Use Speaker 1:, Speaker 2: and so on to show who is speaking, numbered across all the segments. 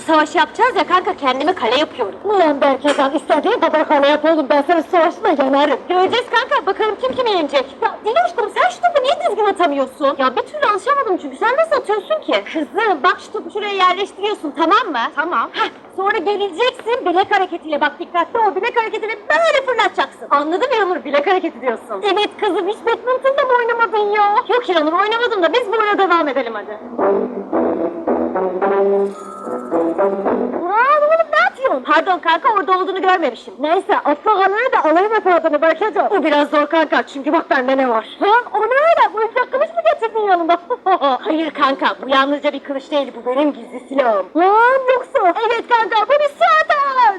Speaker 1: savaşı yapacağız ya kanka, kendime kale yapıyorum.
Speaker 2: Ulan Berkecan, istediğin kadar kale yap oğlum, ben senin savaşına yanarım.
Speaker 1: Göreceğiz kanka, bakalım kim kimi yenecek. Ya Diloş'cum sen şu topu niye düzgün atamıyorsun? Ya bir türlü alışamadım çünkü, sen nasıl atıyorsun ki? Kızım bak, şu topu şuraya yerleştiriyorsun, tamam mı? Tamam. Heh, sonra geleceksin bilek hareketiyle, bak dikkatli ol, bilek hareketiyle böyle fırlatacaksın. Anladın mı Yanur, bilek hareketi diyorsun. Evet kızım, hiç badminton'da mı oynamadın ya? Yok Yanur, oynamadım da biz böyle devam edelim hadi. Aa, oğlum ne yapıyorsun? Pardon kanka, orada olduğunu görmemişim.
Speaker 2: Neyse, atla kaleye de alayım hep adını Berkecan.
Speaker 1: Bu biraz zor kanka, çünkü bak bende ne var?
Speaker 2: Ha, o ne öyle? Bu ufak kılıç mı getirdin yanında?
Speaker 1: Hayır kanka, bu yalnızca bir kılıç değil, bu benim gizli silahım.
Speaker 2: Lan yoksa?
Speaker 1: Evet kanka, bu bir saat.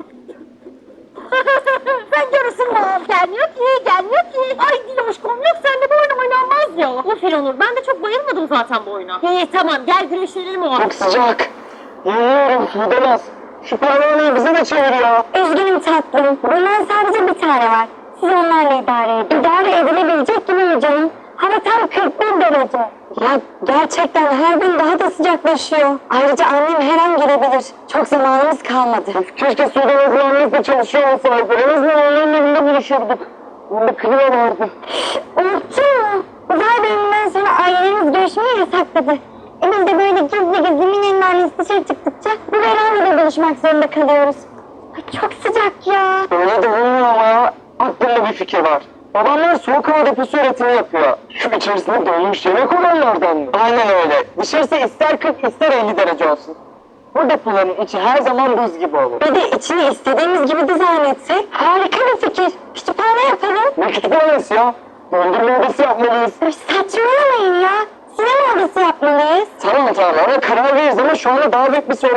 Speaker 2: Sen görürsün lan.
Speaker 1: Gelmiyor ki, gelmiyor ki. Ay Diloşkom, yok seninle bu oyun oynanmaz ya. Of İranur, ben de çok bayılmadım zaten bu oyuna. İyi tamam, gel güreşelim o.
Speaker 3: Çok sıcak. Yanıyorum, gidemez. Şu parmağını bize de çeviriyor.
Speaker 2: Üzgünüm tatlım. Bundan sadece bir tane var. Siz onlarla idare edin. İdare edilebilecek gibi mi canım? Hava tam 41 derece. Ya gerçekten her gün daha da sıcaklaşıyor. Ayrıca annem her an gelebilir. Çok zamanımız kalmadı.
Speaker 3: Keşke sudan uzmanlıkla çalışıyor olsaydı. En azından onların evinde buluşurduk. Bunda klima vardı.
Speaker 2: Unuttun mu? Uzay bölümünden sonra ailemiz görüşmeyi yasakladı. Biz de böyle gizli gizli Mine'nin annesi dışarı çıktıkça bu verandada buluşmak zorunda kalıyoruz. Ay çok sıcak ya.
Speaker 3: Öyle de olmuyor ama ya. Aklımda bir fikir var. Babamlar soğuk hava deposu üretimi yapıyor. Şu içerisinde donmuş yemek olanlardan mı? Aynen öyle. Dışarısı ister 40 ister 50 derece olsun. Bu depoların içi her zaman buz gibi olur.
Speaker 2: Bir de içini istediğimiz gibi dizayn etsek harika bir fikir. Kütüphane yapalım.
Speaker 3: Ne kütüphanesi ya? Dondurma odası yapmalıyız.
Speaker 2: Ay, saçmalamayın ya. Sinema odası yapmalıyız.
Speaker 3: Tamam ona karar veririz ama şu anda daha büyük bir sorun